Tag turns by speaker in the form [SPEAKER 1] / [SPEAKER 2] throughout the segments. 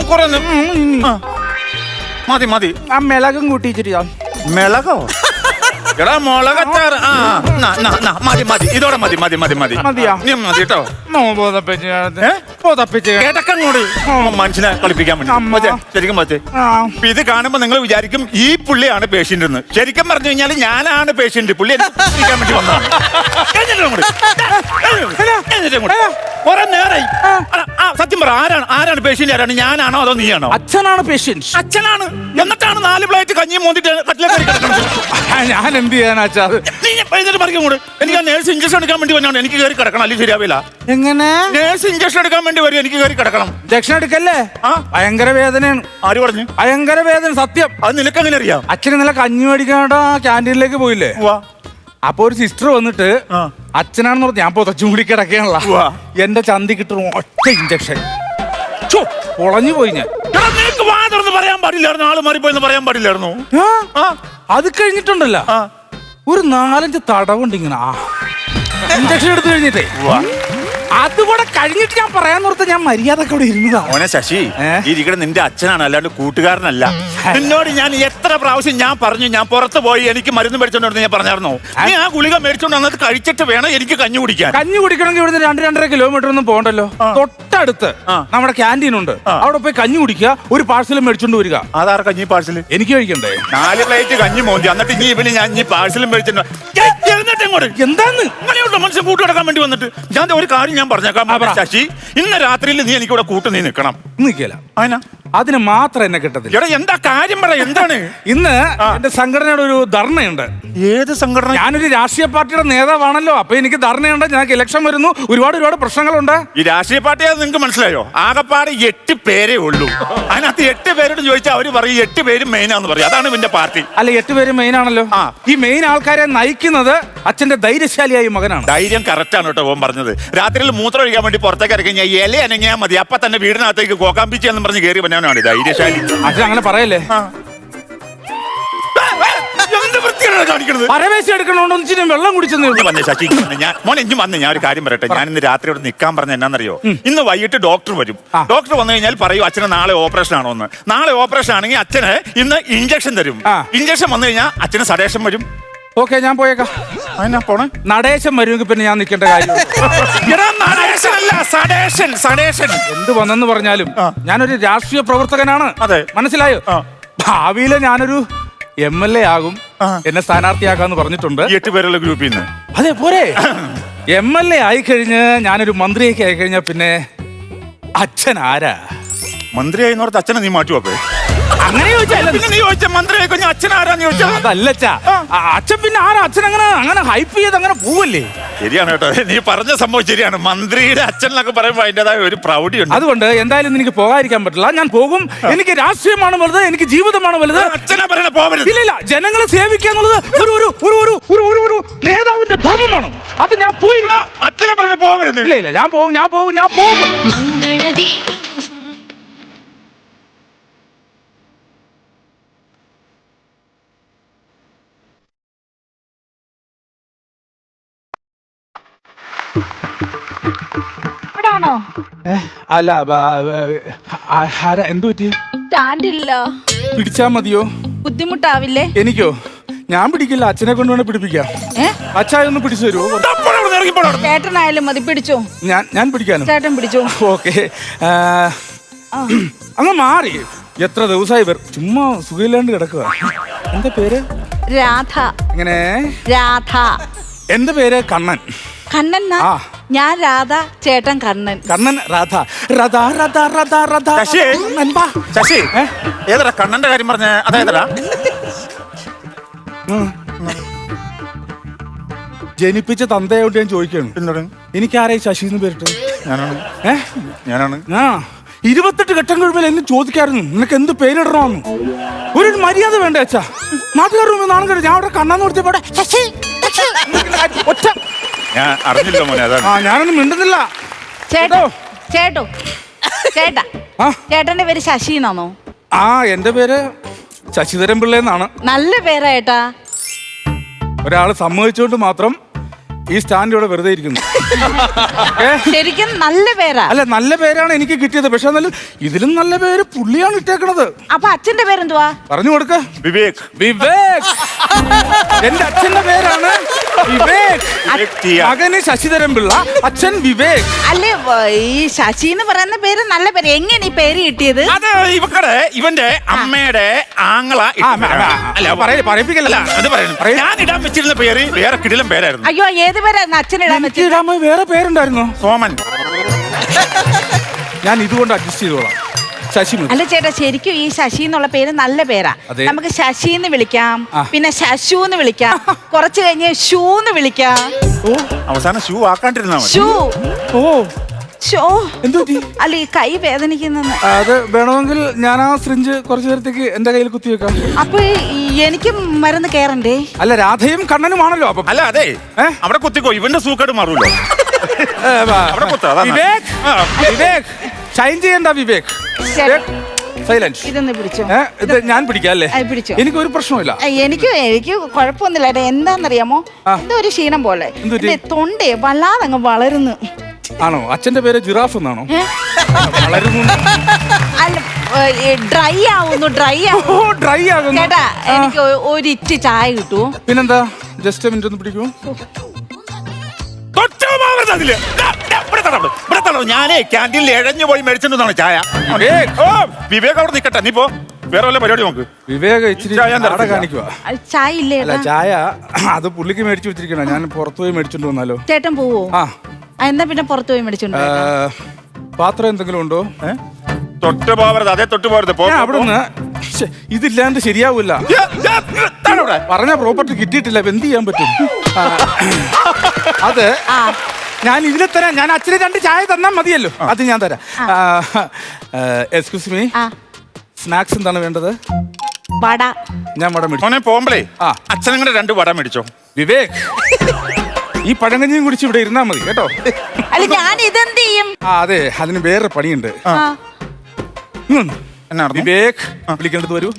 [SPEAKER 1] കുറെ മതി മതി.
[SPEAKER 2] ആ മിളകും കൂട്ടിച്ചിട്ട്.
[SPEAKER 1] മിളകോ? എടാ മുളകച്ചാറ്. മതി മതി, ഇതോടെ മതി മതി മതി മതി.
[SPEAKER 2] മതിയാ?
[SPEAKER 1] നീ മതി കേട്ടോ. കിടക്കങ്ങോട് മനുഷ്യനെ കളിപ്പിക്കാൻ വേണ്ടി ശരിക്കും പറ്റേ. ഇത് കാണുമ്പോ നിങ്ങൾ വിചാരിക്കും ഈ പുള്ളിയാണ് പേഷ്യന്റ് എന്ന്. ശരിക്കും പറഞ്ഞു കഴിഞ്ഞാൽ ഞാനാണ് പേഷ്യന്റ്. പുള്ളി കളിക്കാൻ വേണ്ടി വന്നതാണ്. കുറെ നേരായി. സത്യം പറ, ആരാണ് പേഷ്യന്റ്? ആരാണ്, ഞാനാണോ അതോ നീയാണോ?
[SPEAKER 2] അച്ഛനാണ് പേഷ്യന്റ്.
[SPEAKER 1] അച്ഛനാണ്. എന്നിട്ടാണ് 4 പ്ലേറ്റ് കഞ്ഞി മോന്തിട്ട് കട്ടിലേക്ക് കിടക്കുന്നത്.
[SPEAKER 2] ഞാൻ എന്ത് ചെയ്യാനാ?
[SPEAKER 1] എനിക്ക് ആ നേഴ്സ് ഇഞ്ചക്ഷൻ എടുക്കാൻ വേണ്ടി വന്നാണ്. എനിക്ക് കയറി കിടക്കണം, അല്ലെങ്കിൽ ശരിയാവില്ല.
[SPEAKER 2] എങ്ങനെ?
[SPEAKER 1] നേഴ്സ് ഇഞ്ചക്ഷൻ എടുക്കാൻ വേണ്ടി വരും, എനിക്ക് കയറി കിടക്കണം.
[SPEAKER 2] ഇഞ്ചക്ഷൻ എടുക്കല്ലേ? ഭയങ്കര വേദനയാണ്.
[SPEAKER 1] ആര് പറഞ്ഞു?
[SPEAKER 2] ഭയങ്കര വേദന. സത്യം.
[SPEAKER 1] അത് നിനക്ക് എങ്ങനെ അറിയാം?
[SPEAKER 2] അച്ഛൻ ഇന്നലെ കഞ്ഞി മേടിക്കാനായിട്ട് ക്യാൻറ്റീനിലേക്ക് പോയില്ലേ? അപ്പൊ ഒരു സിസ്റ്റർ വന്നിട്ട് അച്ഛനാണെന്ന് പറഞ്ഞു. ഞാൻ പൊതച്ചും കൂടി കിടക്കാനുള്ള എന്റെ ചന്തി കിട്ടും ഒറ്റ ഇഞ്ചക്ഷൻ. പൊളഞ്ഞു പോയി ഞാൻ.
[SPEAKER 1] നിനക്ക് വാ തുറന്ന് പറയാൻ പാടില്ലായിരുന്നു. ആള് മാറിപ്പോയെന്ന് പറയാൻ പാടില്ലായിരുന്നു.
[SPEAKER 2] അത് കഴിഞ്ഞിട്ടുണ്ടല്ലോ ഒരു 4-5 തടവുണ്ട് ഇങ്ങനെ ഇഞ്ചക്ഷൻ എടുത്തു കഴിഞ്ഞിട്ടേ. അതുകൂടെ കഴിഞ്ഞിട്ട് ഞാൻ പറയാൻ നിർത്ത. ഞാൻ മര്യാദ കൂടെ ഇരുന്നതാ.
[SPEAKER 1] മോനെ ശശി, ഇരിക്കണ നിന്റെ അച്ഛനാണ്, അല്ലാണ്ട് കൂട്ടുകാരനല്ല. നിന്നോട് ഞാൻ എത്ര പ്രാവശ്യം ഞാൻ പറഞ്ഞു, ഞാൻ പുറത്ത് പോയി എനിക്ക് മരുന്ന് മേടിച്ചോണ്ട് ഞാൻ പറഞ്ഞായിരുന്നോ? നീ ആ ഗുളിക മേടിച്ചോണ്ട് വന്നത് കഴിച്ചിട്ട് വേണം എനിക്ക് കഞ്ഞി കുടിക്കാൻ.
[SPEAKER 2] കഞ്ഞി കുടിക്കണമെങ്കിൽ ഇവിടുന്ന് 2-2.5 കിലോമീറ്റർ ഒന്നും പോകണ്ടല്ലോ. തൊട്ടടുത്ത് നമ്മുടെ ക്യാൻറ്റീൻ ഉണ്ട്. അവിടെ പോയി കഞ്ഞി കുടിക്കുക, ഒരു പാഴ്സലും മേടിച്ചോണ്ട് വരിക.
[SPEAKER 1] അതാറ് കഞ്ഞി പാഴ്സല്?
[SPEAKER 2] എനിക്ക് കഴിക്കണ്ടേ?
[SPEAKER 1] 4 പ്ലേറ്റ് കഞ്ഞി മോന്തി. എന്നിട്ട് ഇനി ഇവന് ഞാൻ പാഴ്സലും മേടിച്ചിട്ട്
[SPEAKER 2] എന്താന്ന്
[SPEAKER 1] അങ്ങനെയുള്ള മനുഷ്യൻ കൂട്ട് കിടക്കാൻ വേണ്ടി വന്നിട്ട് ഞാൻ ഒരു കാര്യം ഞാൻ പറഞ്ഞേക്കാം ശശി. ഇന്ന് രാത്രിയിൽ നീ എനിക്കിവിടെ കൂട്ട് നീ നിൽക്കണം.
[SPEAKER 2] നിൽക്കില്ല. അതിന് മാത്രം എന്നെ കിട്ടത്തില്ല.
[SPEAKER 1] എടാ എന്താ കാര്യം പറ, എന്താണ്?
[SPEAKER 2] ഇന്ന് എന്റെ സംഘടനയുടെ ഒരു ധർണയുണ്ട്.
[SPEAKER 1] ഏത് സംഘടന?
[SPEAKER 2] ഞാനൊരു രാഷ്ട്രീയ പാർട്ടിയുടെ നേതാവാണല്ലോ. അപ്പൊ എനിക്ക് ധർണയുണ്ട്. ഞങ്ങൾക്ക് ഇലക്ഷൻ വരുന്നു. ഒരുപാട് പ്രശ്നങ്ങളുണ്ട്.
[SPEAKER 1] ഈ രാഷ്ട്രീയ പാർട്ടിയെ നിങ്ങൾക്ക് മനസ്സിലായോ? ആകപ്പാട് 8 പേരേ ഉള്ളൂ. അതിനകത്ത് 8 പേരോട് ചോദിച്ചാൽ അവര് പറയും 8 പേരും മെയിനാന്ന് പറയും. അതാണ് ഇവന്റെ പാർട്ടി.
[SPEAKER 2] അല്ല, 8 പേര് മെയിൻ ആണല്ലോ. ഈ മെയിൻ ആൾക്കാരെ നയിക്കുന്നത് അച്ഛന്റെ ധൈര്യശാലിയായ മകനാണ്.
[SPEAKER 1] ധൈര്യം കറക്റ്റ് ആണ് കേട്ടോ ഓൻ പറഞ്ഞത്. രാത്രിയിൽ മൂത്രം ഒഴിക്കാൻ വേണ്ടി പുറത്തേക്ക് ഇറങ്ങി ഞാൻ ഇല അനങ്ങിയാൽ മതി, അപ്പൊ തന്നെ വീടിനകത്തേക്ക് കോക്കാമ്പിച്ചി എന്ന് പറഞ്ഞ് കയറി വന്നവനാണ് ധൈര്യശാലി.
[SPEAKER 2] അച്ഛൻ അങ്ങനെ പറയല്ലേ? പരവേശം എടുക്കണോണ്ട് വെള്ളം കുടിച്ചെന്ന്
[SPEAKER 1] ശശി. ഞാൻ ഒരു കാര്യം പറയട്ടെ. ഞാൻ ഇന്ന് രാത്രി ഇവിടെ നിൽക്കാൻ പറഞ്ഞ എന്നാന്നറിയോ? ഇന്ന് വൈകിട്ട് ഡോക്ടർ വരും. ഡോക്ടർ വന്നു കഴിഞ്ഞാൽ പറയും അച്ഛന് നാളെ ഓപ്പറേഷൻ ആണോ എന്ന്. നാളെ ഓപ്പറേഷൻ ആണെങ്കിൽ അച്ഛന് ഇന്ന് ഇഞ്ചക്ഷൻ തരും. ഇഞ്ചക്ഷൻ വന്നു കഴിഞ്ഞാൽ അച്ഛന് സഡേഷൻ വരും.
[SPEAKER 2] ഓക്കെ, ഞാൻ പോയേക്കാം.
[SPEAKER 1] പോണേ.
[SPEAKER 2] നടേശം വരുമെങ്കിൽ പിന്നെ ഞാൻ നിൽക്കേണ്ട കാര്യം. എന്ത് വന്നെന്ന് പറഞ്ഞാലും ഞാനൊരു രാഷ്ട്രീയ പ്രവർത്തകനാണ്. മനസ്സിലായോ? ഭാവിയില് ഞാനൊരു MLA ആകും. എന്നെ സ്ഥാനാർത്ഥിയാക്കാന്ന് പറഞ്ഞിട്ടുണ്ട്.
[SPEAKER 1] 8 പേരുള്ള ഗ്രൂപ്പിൽ നിന്ന്.
[SPEAKER 2] അതെ പോരെ. MLA ആയിക്കഴിഞ്ഞ് ഞാനൊരു മന്ത്രിയൊക്കെ ആയിക്കഴിഞ്ഞാ പിന്നെ അച്ഛൻ ആരാ?
[SPEAKER 1] മന്ത്രിയായി അച്ഛനെ നീ മാറ്റി വെപ്പേ?
[SPEAKER 2] അങ്ങനെ ചോദിച്ചാ
[SPEAKER 1] മന്ത്രിയായി കഴിഞ്ഞ അച്ഛൻ ആരാന്ന് ചോദിച്ചാ
[SPEAKER 2] അതല്ലച്ചാ. അച്ഛൻ പിന്നെ ആരാ? അച്ഛൻ അങ്ങനെ ഹൈപ്പ് ചെയ്ത് അങ്ങനെ പോവല്ലേ?
[SPEAKER 1] ശരിയാണ് കേട്ടോ, നീ പറഞ്ഞ സംഭവം ശരിയാണ്. മന്ത്രിയുടെ അച്ഛൻ എന്നൊക്കെ പറയുമ്പോൾ അതിൻ്റെതായ ഒരു പ്രൗഢിയുണ്ട്.
[SPEAKER 2] അതുകൊണ്ട് എന്തായാലും എനിക്ക് പോകാതിരിക്കാൻ പറ്റില്ല. ഞാൻ പോകും. എനിക്ക് രാഷ്ട്രീയമാണ് വലുത്, എനിക്ക് ജീവിതമാണ് വലുത്.
[SPEAKER 1] അച്ഛനെ പറയണ പോകരുത്.
[SPEAKER 2] ഇല്ല, ജനങ്ങളെ സേവിക്കുക എന്നുള്ളത് ഒരു നേതാവിന്റെ ധർമ്മമാണ്. അത് ഞാൻ പോയി.
[SPEAKER 1] അച്ഛനെ പറയണ പോകരുത്.
[SPEAKER 2] ഇല്ല, ഞാൻ പോകും. അല്ല, എന്തു പറ്റി?
[SPEAKER 3] സ്റ്റാൻഡില്ല.
[SPEAKER 2] പിടിച്ചാ മതിയോ?
[SPEAKER 3] ബുദ്ധിമുട്ടാവില്ലേ?
[SPEAKER 2] എനിക്കോ? ഞാൻ പിടിക്കില്ല. അച്ഛനെ കൊണ്ടുവേണേ പിടിപ്പിക്കാം. അച്ഛായൊന്ന് പിടിച്ചു തരുമോ?
[SPEAKER 3] ചേട്ടനായാലും മതി. പിടിച്ചോ.
[SPEAKER 2] ഞാൻ പിടിക്കാനോ?
[SPEAKER 3] ചേട്ടൻ പിടിച്ചോ.
[SPEAKER 2] ഓക്കെ. അങ്ങ് മാറി. എത്ര ദിവസമായി ചുമ്മാ സുഖമില്ലാണ്ട് കിടക്കുക. എന്താ പേര്?
[SPEAKER 3] രാധ.
[SPEAKER 2] എങ്ങനെ?
[SPEAKER 3] രാധ.
[SPEAKER 2] എന്റെ പേര് കണ്ണൻ.
[SPEAKER 3] കണ്ണൻ? ഞാൻ രാധ, ചേട്ടൻ കണ്ണൻ.
[SPEAKER 2] കണ്ണൻ, രാധ.
[SPEAKER 1] ശശി, ഏതാ കണ്ണന്റെ കാര്യം പറഞ്ഞ? അതേതാ?
[SPEAKER 2] ജനിപ്പിച്ച തന്തയോട്ട് ഞാൻ ചോദിക്കാണ്. എനിക്കാരായി ശശി എന്ന് പേരിട്ട്?
[SPEAKER 1] ഞാനാണ്.
[SPEAKER 2] 28 ഘട്ടം കഴിയുമ്പോൾ എന്നെ ചോദിക്കായിരുന്നു നിനക്ക് എന്ത് പേരിടണമെന്ന്. ഒരു മര്യാദ വേണ്ട അച്ഛാ. നാട്ടുകാരുടെ നാളെ കഴിഞ്ഞു ഞാൻ അവിടെ കണ്ണാന്ന് കൊടുത്തപ്പോടെ ഒറ്റ
[SPEAKER 1] ഞാൻ അറിഞ്ഞില്ല മോനെ.
[SPEAKER 2] ഞാനൊന്നും മിണ്ടുന്നില്ല.
[SPEAKER 3] ചേട്ടാ ചേട്ടന്റെ പേര് ശശി എന്നാണോ?
[SPEAKER 2] എന്റെ പേര് ശശിധരൻ പിള്ള എന്നാണ്.
[SPEAKER 3] നല്ല പേരാ ഏട്ടാ.
[SPEAKER 2] ഒരാള് സമ്മതിച്ചോണ്ട് മാത്രം ഈ സ്റ്റാൻഡ് ഇവിടെ വെറുതെ ഇരിക്കുന്നു.
[SPEAKER 3] ശരിക്കും നല്ല പേരാ.
[SPEAKER 2] അല്ല, നല്ല പേരാണ് എനിക്ക് കിട്ടിയത്. പക്ഷെ എന്നാലും ഇതിലും നല്ല പേര് പുള്ളിയാണ് ഇട്ടേക്കണത്.
[SPEAKER 3] അപ്പൊ അച്ഛന്റെ പേരെന്തുവാ?
[SPEAKER 2] പറഞ്ഞു കൊടുക്ക.
[SPEAKER 1] വിവേക്.
[SPEAKER 2] വിവേക്. എന്റെ അച്ഛന്റെ പേരാണ് വിവേക്. മകന് ശശിധരൻ പിള്ള, അച്ഛൻ വിവേക്.
[SPEAKER 3] അല്ലേ, ഈ ശശി എന്ന് പറയുന്ന പേര് നല്ല പേര്. എങ്ങനെ ഈ പേര് കിട്ടിയത്?
[SPEAKER 1] അത് ഇവന്റെ അമ്മയുടെ ആങ്ങള
[SPEAKER 2] പറയിപ്പിക്കല്ല.
[SPEAKER 1] ഞാൻ ഇടാൻ വെച്ചിരുന്ന പേര് വേറെ കിടിലം പേരായിരുന്നു.
[SPEAKER 3] അയ്യോ, ഏത് പേരായിരുന്നു അച്ഛൻ ഇടാൻ വെച്ചത്?
[SPEAKER 2] വേറെ പേരുണ്ടായിരുന്നോ?
[SPEAKER 1] സോമൻ.
[SPEAKER 2] ഞാൻ ഇതുകൊണ്ട് അഡ്ജസ്റ്റ് ചെയ്തോളാം. ശശി.
[SPEAKER 3] അല്ല ചേട്ടാ, ശരിക്കും ഈ ശശി എന്നുള്ള പേര് നല്ല പേരാ. നമുക്ക് ശശി എന്ന് വിളിക്കാം, പിന്നെ ശശു എന്ന് വിളിക്കാം, കുറച്ച് കഴിഞ്ഞ് ഷൂ എന്ന് വിളിക്കാം.
[SPEAKER 1] അവസാനം ഷൂ ആക്കാണ്ടിരുന്നാ മതി.
[SPEAKER 3] ഷൂ.
[SPEAKER 2] ഓ,
[SPEAKER 3] എന്തോ അല്ല, ഈ കൈ വേദനിക്കുന്നെന്ന്.
[SPEAKER 2] അത് വേണമെങ്കിൽ ഞാൻ ആ സിറിഞ്ച് കുറച്ചു നേരത്തേക്ക് എന്റെ കയ്യിൽ കുത്തിവെക്കാം.
[SPEAKER 3] അപ്പൊ എനിക്ക് മരുന്ന് കേറണ്ടേ?
[SPEAKER 2] അല്ല, രാധയും കണ്ണനുമാണല്ലോ. അപ്പൊ
[SPEAKER 1] അല്ല, അതെ, അവിടെ കുത്തിക്കോ, ഇവന്റെ സൂക്കേട് മാറൂല്ലോ.
[SPEAKER 2] വിവേക്, വിവേക് ഷൈൻ ചെയ്യണ്ട. വിവേക് സൈലൻസ്.
[SPEAKER 3] ഇതൊന്ന് പിടിച്ചോ.
[SPEAKER 2] ഇത് ഞാൻ പിടിക്കാം അല്ലേ?
[SPEAKER 3] പിടിച്ചോ.
[SPEAKER 2] എനിക്ക് ഒരു പ്രശ്നമില്ല.
[SPEAKER 3] എനിക്ക് കുഴപ്പമൊന്നുമില്ല. എന്താന്നറിയാമോ, എന്തോ ഒരു ക്ഷീണം പോലെ തൊണ്ടേ വല്ലാതെ അങ്ങ് വളരുന്നു.
[SPEAKER 2] ആണോ? അച്ഛന്റെ പേര് ജിറാഫ് എന്നാണോ? വളരുന്നു.
[SPEAKER 3] അല്ല, ഡ്രൈ ആവുന്നു.
[SPEAKER 2] ഡ്രൈ ആകുന്നു.
[SPEAKER 3] ചേട്ടാ, എനിക്ക് ഒരു ഇറ്റ് ചായ കിട്ടുമോ?
[SPEAKER 2] പിന്നെന്താ, ജസ്റ്റ് മിനിറ്റ് ഒന്ന് പിടിക്കൂ.
[SPEAKER 1] ഞാനേ ക്യാൻറ്റീനിൽ എഴഞ്ഞു പോയി മേടിച്ചിട്ടുണ്ടാണ് ചായ. വിവേക് അവിടെ നിക്കട്ടെ, നീ പോ, വേറെ വല്ല പരിപാടി നോക്ക്.
[SPEAKER 2] വിവേക് ഇച്ചിരി കാണിക്കുക.
[SPEAKER 3] ചായ ഇല്ലേ?
[SPEAKER 2] അല്ല, ചായ അത് പുള്ളിക്ക് മേടിച്ചു വെച്ചിരിക്കണ. ഞാൻ പുറത്തു പോയി മേടിച്ചോണ്ട് വന്നാലോ?
[SPEAKER 3] ചേട്ടൻ പോവോ? എന്നാ പിന്നെ പുറത്തു പോയി മേടിച്ചോണ്ട്.
[SPEAKER 2] പാത്രം എന്തെങ്കിലും ഉണ്ടോ?
[SPEAKER 1] തൊട്ട് പോവരുത്, അതേ തൊട്ട് പോവരുത്.
[SPEAKER 2] അവിടുന്ന് ഇതില്ലാണ്ട് ശരിയാവൂല. പറഞ്ഞ പ്രോപ്പർട്ടി കിട്ടിയിട്ടില്ല, എന്ത് ചെയ്യാൻ പറ്റും? അത് ഞാൻ ഇതിൽ തരാം. ഞാൻ അച്ഛന് 2 ചായ തന്നാൽ മതിയല്ലോ. അത് ഞാൻ തരാം. എക്സ്ക്യൂസ് മീ, സ്നാക്സ് എന്താണ് വേണ്ടത്?
[SPEAKER 3] വട.
[SPEAKER 2] ഞാൻ വട മേടിച്ചു.
[SPEAKER 1] പോകുമ്പളേ അച്ഛനും കൂടെ 2 വട മേടിച്ചോ.
[SPEAKER 2] വിവേക്, ഈ പഴങ്കഞ്ഞിയും കുടിച്ച് ഇവിടെ ഇരുന്നാ മതി കേട്ടോ.
[SPEAKER 3] അല്ല, ഞാൻ ഇതെന്ത് ചെയ്യും?
[SPEAKER 2] അതെ, അതിന് വേറെ പണിയുണ്ട്. വിവേക് വിളിക്കേണ്ടത് വരൂ.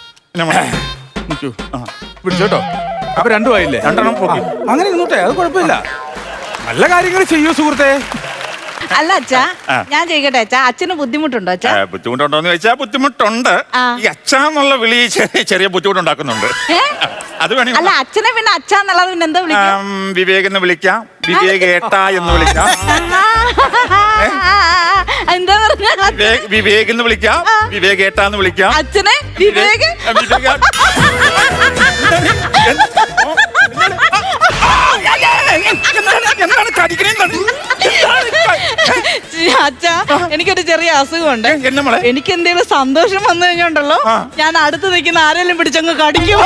[SPEAKER 2] പിടിച്ചോട്ടോ. അപ്പൊ 2 ആയില്ലേ?
[SPEAKER 1] 2
[SPEAKER 2] അങ്ങനെ ഇരുന്നോട്ടെ, അത് കുഴപ്പമില്ല. നല്ല കാര്യങ്ങൾ ചെയ്യൂ സുഹൃത്തെ.
[SPEAKER 3] അല്ല അച്ഛാ, ഞാൻ ചോദിക്കട്ടെ അച്ഛാ, അച്ഛന് ബുദ്ധിമുട്ടുണ്ടോ? അച്ഛാ
[SPEAKER 1] ബുദ്ധിമുട്ടുണ്ടോന്ന് ചോദിച്ചാൽ ബുദ്ധിമുട്ടുണ്ട്. ഈ അച്ഛന്നുള്ള വിളി ചെറിയ ബുദ്ധിമുട്ടുണ്ടാക്കുന്നുണ്ട്. അത് വേണമെങ്കിൽ
[SPEAKER 3] അല്ല, അച്ഛനെ പിന്നെ അച്ഛന്നുള്ളത് പിന്നെ എന്താ വിളിക്കാം?
[SPEAKER 1] വിവേക് എന്ന് വിളിക്കാം, വിവേക് ഏട്ടാ എന്ന് വിളിക്കാം,
[SPEAKER 3] എന്താ പറഞ്ഞ
[SPEAKER 1] വിവേക് എന്ന് വിളിക്കാം, വിവേക് ഏട്ടാ എന്ന് വിളിക്കാം.
[SPEAKER 3] അച്ഛനെ വിവേക് അച്ഛാ, എനിക്കൊരു ചെറിയ അസുഖമുണ്ട്. എനിക്ക് എന്തെങ്കിലും സന്തോഷം വന്നു കഴിഞ്ഞോണ്ടല്ലോ, ഞാൻ അടുത്ത് നിൽക്കുന്ന ആരെങ്കിലും പിടിച്ചങ്ങ് കടിക്കും.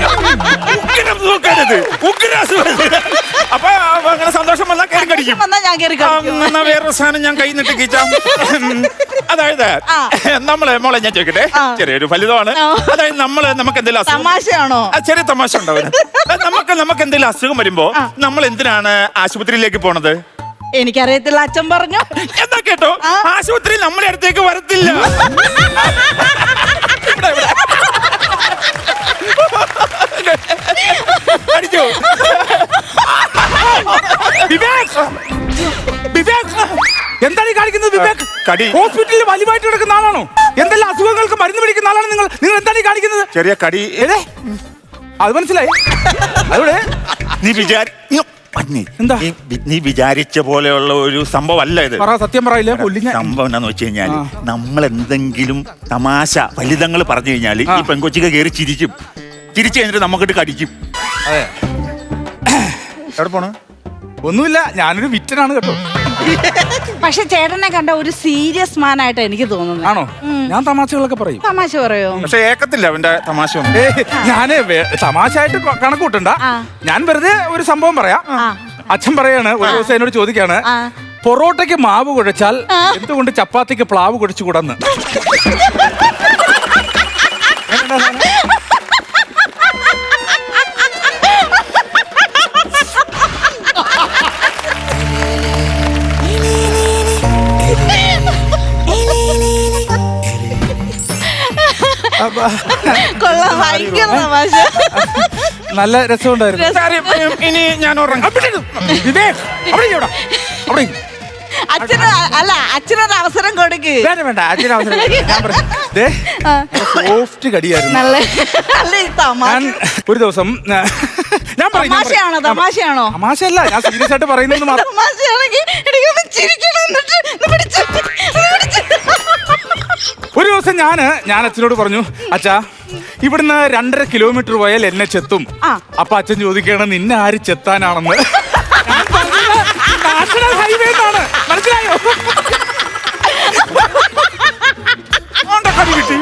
[SPEAKER 1] അപ്പൊ അങ്ങനെ സന്തോഷം വന്നാൽ കയറി കടിക്കും.
[SPEAKER 3] ഞാൻ കയറി
[SPEAKER 1] വേറൊരു സാധനം ഞാൻ കൈ നിട്ട് കിച്ചാം. അതായത് മോളെ ഞാൻ ചോദിക്കട്ടെ, ചെറിയൊരു ഫലിതമാണ്. അതായത് നമുക്ക് എന്തെങ്കിലും
[SPEAKER 3] തമാശയാണോ?
[SPEAKER 1] ചെറിയ തമാശ ഉണ്ടാവും. നമുക്ക് എന്തെങ്കിലും അസുഖം വരുമ്പോ നമ്മൾ എന്തിനാണ് ആശുപത്രിയിലേക്ക് പോണത്?
[SPEAKER 3] എനിക്കറിയത്തില്ല, അച്ഛൻ പറഞ്ഞു.
[SPEAKER 1] എന്താ കേട്ടോ, ആശുപത്രി നമ്മുടെ അടുത്തേക്ക് വരത്തില്ല. അടിച്ചോ?
[SPEAKER 2] എന്താണ് ഈ കാണിക്കുന്നത്? വിവേക് ഹോസ്പിറ്റലിൽ വലിവായിട്ട് കിടക്കുന്ന ആളാണോ? എന്തെല്ലാം അസുഖങ്ങൾക്ക് മരുന്ന് പിടിക്കുന്ന ആളാണ് നിങ്ങൾ. എന്താണ് ഈ കാണിക്കുന്നത്?
[SPEAKER 1] ചെറിയ കടി.
[SPEAKER 2] അത് മനസ്സിലായി. അവിടെ
[SPEAKER 1] എന്താ നീ വിചാരിച്ച പോലെയുള്ള ഒരു സംഭവം അല്ല ഇത്.
[SPEAKER 2] സത്യം പറയില്ല.
[SPEAKER 1] സംഭവം എന്താന്ന് വെച്ച് കഴിഞ്ഞാല്, നമ്മൾ എന്തെങ്കിലും തമാശ ഫലിതങ്ങൾ പറഞ്ഞു കഴിഞ്ഞാല് ഈ പെൺകൊച്ചിക്ക് കയറി ചിരിക്കും. ചിരിച്ചു കഴിഞ്ഞിട്ട് നമുക്കിട്ട് കടിക്കും.
[SPEAKER 2] അതെ.
[SPEAKER 1] എവിടെ പോണു?
[SPEAKER 2] ഒന്നുമില്ല, ഞാനൊരു വിറ്റനാണ് കേട്ടോ.
[SPEAKER 3] പക്ഷെ ചേട്ടനെ കണ്ട ഒരു സീരിയസ് മാൻ ആയിട്ട് എനിക്ക് തോന്നുന്നു.
[SPEAKER 2] ആണോ? ഞാൻ തമാശകളൊക്കെ പറയും.
[SPEAKER 3] തമാശ പറയോ?
[SPEAKER 1] പക്ഷെ ഏക്കത്തില്ല അവന്റെ തമാശ.
[SPEAKER 2] ഞാന് തമാശയായിട്ട് കണക്കൂട്ടണ്ട. ഞാൻ വെറുതെ ഒരു സംഭവം പറയാം. അച്ഛൻ പറയാണ്, ഒരു ദിവസം എന്നോട് ചോദിക്കാണ്, പൊറോട്ടയ്ക്ക് മാവ് കുഴച്ചാൽ എന്തുകൊണ്ട് ചപ്പാത്തിക്ക് പ്ലാവ് കുഴച്ചുകൂടന്ന്.
[SPEAKER 3] കൊള്ളാം, ഭയങ്കര തമാശ.
[SPEAKER 2] നല്ല രസമുണ്ടായിരുന്നു.
[SPEAKER 1] കാര്യം, ഇനി ഞാൻ ഉറങ്ങാം.
[SPEAKER 2] വിവേക്, അവിടെ ഇരിക്ക്, അവിടെ ഇരിക്ക്.
[SPEAKER 3] അച്ഛനൊരു അവസരം കൊടുക്ക്.
[SPEAKER 2] വേണ്ട വേണ്ട, അച്ഛന് അവസരം സോഫ്റ്റ് കടിയായിരുന്നു. ഞാൻ ഒരു ദിവസം ഞാൻ
[SPEAKER 3] തമാശയാണോ?
[SPEAKER 2] തമാശയല്ല, ഞാൻ സീരിയസ് ആയിട്ട് പറയുന്നത് മാത്രം. ഒരു ദിവസം ഞാൻ അച്ഛനോട് പറഞ്ഞു, അച്ഛാ ഇവിടുന്ന് 2.5 കിലോമീറ്റർ പോയാൽ എന്നെ ചെത്തും. അപ്പൊ അച്ഛൻ ചോദിക്കണം, നിന്നെ ആര് ചെത്താനാണെന്ന്. നാഷണൽ ഹൈവേ എന്നാണ്, മനസ്സിലായോ? കിട്ടി.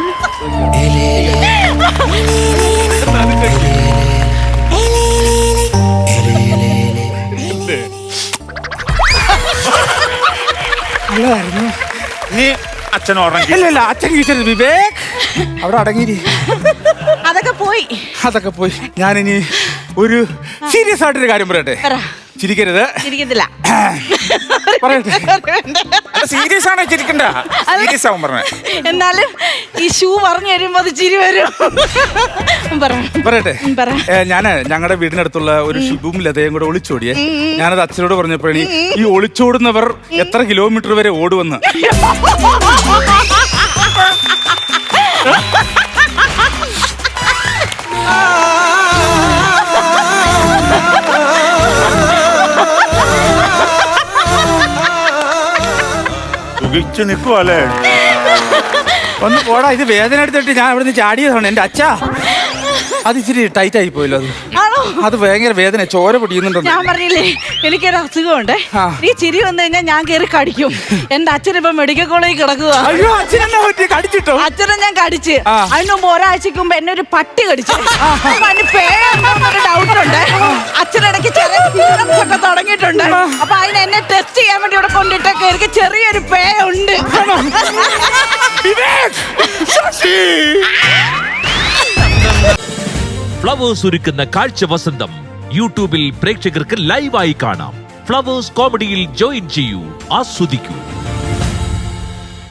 [SPEAKER 2] നല്ലതായിരുന്നു.
[SPEAKER 1] നീ അച്ഛൻ ഉറങ്ങി?
[SPEAKER 2] ഇല്ല അച്ഛൻ കീച്ചത്. വിവേക് അവിടെ അടങ്ങിയിരി.
[SPEAKER 3] അതൊക്കെ പോയി.
[SPEAKER 2] ഞാനിനി ഒരു സീരിയസ് ആയിട്ടൊരു കാര്യം പറയട്ടെ. ചിരിക്കരുത്.
[SPEAKER 3] ചിരിക്കത്തില്ല.
[SPEAKER 2] പറയട്ടെ.
[SPEAKER 1] സീരിയസ് ആണോ? ചിരിക്കണ്ട. സീരിയസ് ആവും പറഞ്ഞ.
[SPEAKER 3] എന്നാലും ഈ ഷൂ പറഞ്ഞു തരുമ്പോ അത് ചിരി വരും.
[SPEAKER 2] പറയട്ടെ. ഞങ്ങളുടെ വീടിനടുത്തുള്ള ഒരു ഷിബും ലതയും കൂടെ ഒളിച്ചോടിയേ. ഞാനത് അച്ഛനോട് പറഞ്ഞപ്പോഴേ, ഈ ഒളിച്ചോടുന്നവർ എത്ര കിലോമീറ്റർ വരെ ഓടുവെന്ന്.
[SPEAKER 1] നിൽക്കുവല്ലേ?
[SPEAKER 2] ഒന്ന് പോടാ, ഇത് വേദന എടുത്തിട്ട് ഞാൻ അവിടെ നിന്ന് ചാടിയതാണ്. എന്റെ അച്ഛാ, അത് ഇച്ചിരി ടൈറ്റ് ആയി പോയല്ലോ. അത് ഭയങ്കര വേദന, ചോര പൊടിയുന്നുണ്ടോ?
[SPEAKER 3] ഞാൻ പറഞ്ഞില്ലേ എനിക്കൊരു അസുഖമുണ്ട്. നീ ചിരി വന്നു കഴിഞ്ഞാൽ ഞാൻ കയറി കടിക്കും. എന്റെ അച്ഛൻ ഇപ്പൊ മെഡിക്കൽ കോളേജിൽ കിടക്കുക.
[SPEAKER 2] കടിച്ചിട്ടോ?
[SPEAKER 3] അച്ഛനെ ഞാൻ കടിച്ച്. അതിന് മുമ്പ് ഒരാഴ്ചക്ക് മുമ്പ് എന്നെ ഒരു പട്ടി കടിച്ചു. പേരെന്തോന്നൊരു ഡൗട്ട് ഉണ്ട്. അച്ഛനിടയ്ക്ക് ചെറിയ symptoms ഒക്കെ തുടങ്ങിയിട്ടുണ്ട്. അപ്പൊ അതിന് എന്നെ ടെസ്റ്റ് ചെയ്യാൻ വേണ്ടി ഇവിടെ കൊണ്ടിട്ടൊക്കെ എനിക്ക് ചെറിയൊരു പേ ഉണ്ട്.
[SPEAKER 4] ഫ്ലവേഴ്സ് ഒരുക്കുന്ന കാഴ്ച വസന്തം യൂട്യൂബിൽ പ്രേക്ഷകർക്ക് ലൈവായി കാണാം. ഫ്ലവേഴ്സ് കോമഡിയിൽ ജോയിൻ ചെയ്യൂ, ആസ്വദിക്കൂ.